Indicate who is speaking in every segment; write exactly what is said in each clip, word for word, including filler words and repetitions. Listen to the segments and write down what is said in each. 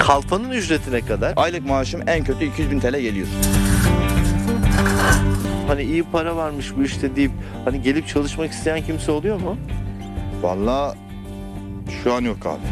Speaker 1: Kalfanın ücreti ne kadar?
Speaker 2: Aylık maaşım en kötü iki yüz bin T L geliyor.
Speaker 1: Hani iyi para varmış bu işte deyip hani gelip çalışmak isteyen kimse oluyor mu?
Speaker 2: Vallahi şu an yok abi.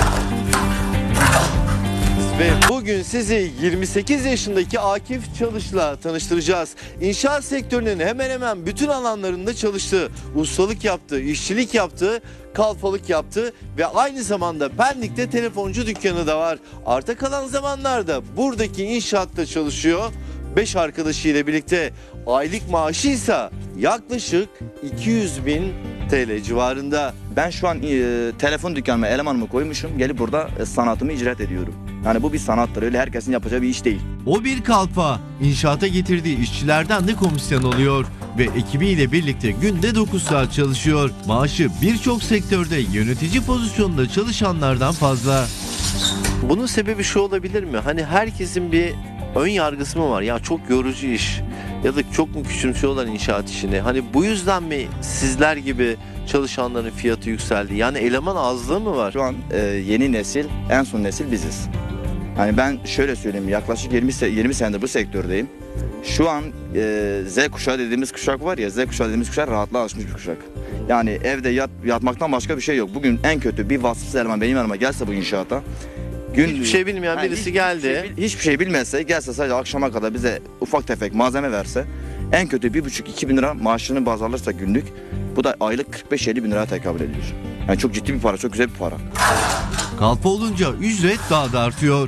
Speaker 1: Ve bugün sizi yirmi sekiz yaşındaki Akif Çalış'la tanıştıracağız. İnşaat sektörünün hemen hemen bütün alanlarında çalıştı. Ustalık yaptı, işçilik yaptı, kalfalık yaptı ve aynı zamanda Pendik'te telefoncu dükkanı da var. Arta kalan zamanlarda buradaki inşaatta çalışıyor. beş arkadaşıyla birlikte aylık maaşı ise yaklaşık iki yüz bin T L civarında.
Speaker 2: Ben şu an e, telefon dükkanıma elemanımı koymuşum. Gelip burada e, sanatımı icraat ediyorum. Yani bu bir sanattır. Öyle herkesin yapacağı bir iş değil.
Speaker 3: O bir kalfa, inşaata getirdiği işçilerden de komisyon alıyor ve ekibiyle birlikte günde dokuz saat çalışıyor. Maaşı birçok sektörde yönetici pozisyonunda çalışanlardan fazla.
Speaker 1: Bunun sebebi şu olabilir mi? Hani herkesin bir ön yargısı mı var? Ya çok yorucu iş ya da çok mu küçümsüyorlar inşaat işini? Hani bu yüzden mi sizler gibi çalışanların fiyatı yükseldi? Yani eleman azlığı mı var?
Speaker 2: Şu an e, yeni nesil, en son nesil biziz. Hani ben şöyle söyleyeyim, yaklaşık yirmi, yirmi senedir bu sektördeyim. Şu an e, Z kuşağı dediğimiz kuşak var ya, Z kuşağı dediğimiz kuşak rahatlığa alışmış bir kuşak. Yani evde yat, yatmaktan başka bir şey yok. Bugün en kötü bir vasıfsız eleman benim yanıma gelse bu inşaata, gün,
Speaker 1: Hiçbir şey bilmeyen
Speaker 2: Ha,
Speaker 1: birisi
Speaker 2: hiç-
Speaker 1: geldi.
Speaker 2: Hiçbir şey, bil- hiçbir şey bilmezse, gelse sadece akşama kadar bize ufak tefek malzeme verse, en kötü bir buçuk iki bin lira maaşını baz alırsa günlük, bu da aylık kırk beş elli bin liraya tekabül ediyor. Yani çok ciddi bir para, çok güzel bir para.
Speaker 3: Kalfa olunca ücret daha da artıyor.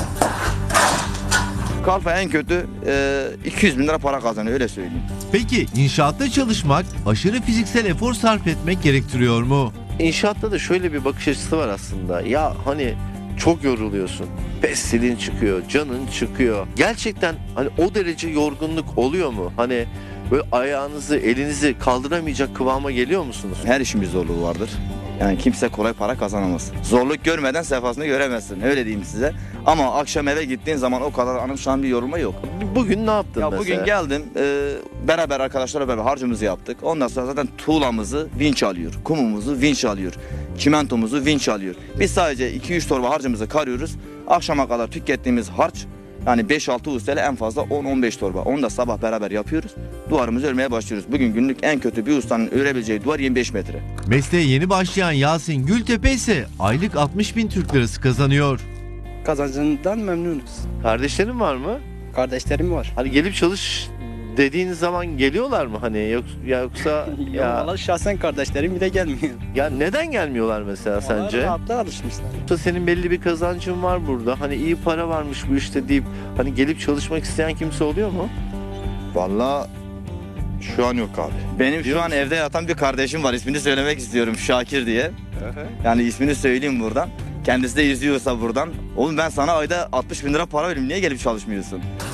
Speaker 2: Kalfa en kötü e, iki yüz bin lira para kazanıyor, öyle söyleyeyim.
Speaker 3: Peki inşaatta çalışmak aşırı fiziksel efor sarf etmek gerektiriyor mu?
Speaker 1: İnşaatta da şöyle bir bakış açısı var aslında. Ya hani çok yoruluyorsun. Pestilin çıkıyor, canın çıkıyor. Gerçekten hani o derece yorgunluk oluyor mu? Hani böyle ayağınızı, elinizi kaldıramayacak kıvama geliyor musunuz?
Speaker 2: Her işin bir zorluğu vardır. Yani kimse kolay para kazanamaz. Zorluk görmeden sefasını göremezsin, öyle diyeyim size. Ama akşam eve gittiğin zaman o kadar anımsayan bir yorulma yok.
Speaker 1: Bugün ne yaptın
Speaker 2: Ya
Speaker 1: mesela?
Speaker 2: bugün geldim, e, beraber arkadaşlarla beraber harcımızı yaptık. Ondan sonra zaten tuğlamızı vinç alıyor, kumumuzu vinç alıyor, çimentomuzu vinç alıyor. Biz sadece iki üç torba harcımızı karıyoruz. Akşama kadar tükettiğimiz harç, yani beş altı ustayla en fazla on on beş torba. Onu da sabah beraber yapıyoruz. Duvarımızı örmeye başlıyoruz. Bugün günlük en kötü bir ustanın örebileceği duvar yirmi beş metre.
Speaker 3: Mesleğe yeni başlayan Yasin Gültepe ise aylık altmış bin Türk lirası kazanıyor.
Speaker 4: Kazancından memnunuz.
Speaker 1: Kardeşlerin var mı?
Speaker 4: Kardeşlerim var.
Speaker 1: Hani gelip çalış dediğiniz zaman geliyorlar mı hani yok ya yoksa
Speaker 4: Ya
Speaker 1: ya
Speaker 4: valla şahsen kardeşlerim bile gelmiyor.
Speaker 1: ya neden gelmiyorlar mesela
Speaker 4: Onlar
Speaker 1: sence?
Speaker 4: rahatlığa alışmışlar.
Speaker 1: Yoksa senin belli bir kazancın var burada. Hani iyi para varmış bu işte deyip hani gelip çalışmak isteyen kimse oluyor mu?
Speaker 2: Vallahi şu an yok abi. Benim şu an evde yatan bir kardeşim var. İsmini söylemek istiyorum, Şakir diye. Yani ismini söyleyeyim buradan. Kendisi de izliyorsa buradan. Oğlum ben sana ayda altmış bin lira para veriyorum. Niye gelip çalışmıyorsun?